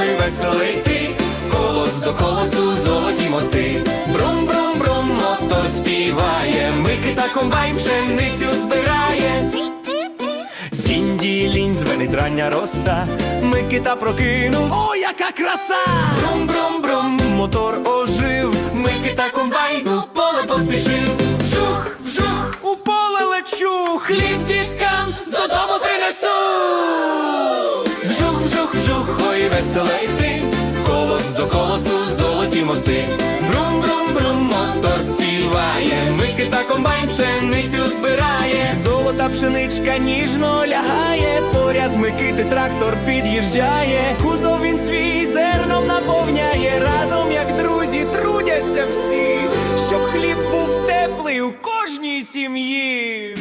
ой, весело йти, колос до колосу, золоті мости. Брум-брум-брум, мотор співає, Микита комбайн пшеницю збирає. Дінь-ділінь, дзвенить рання роса, Микита прокинув, о, яка краса! Брум-брум-брум, мотор ожив, Микита комбайн у поле поспішив. Вжух, вжух, у поле лечу, хліб діткам додому принесу. Вжух, вжух, вжух, ой, весело йти, колос до колосу, золоті мости. Брум-брум-брум, мотор співає, Микита комбайн пшеницю збирає. Золота пшеничка ніжно лягає, поряд Микити трактор під'їжджає. Кузов він свій зерном наповняє, разом як друзі трудяться всі, щоб хліб був теплий у кожній сім'ї.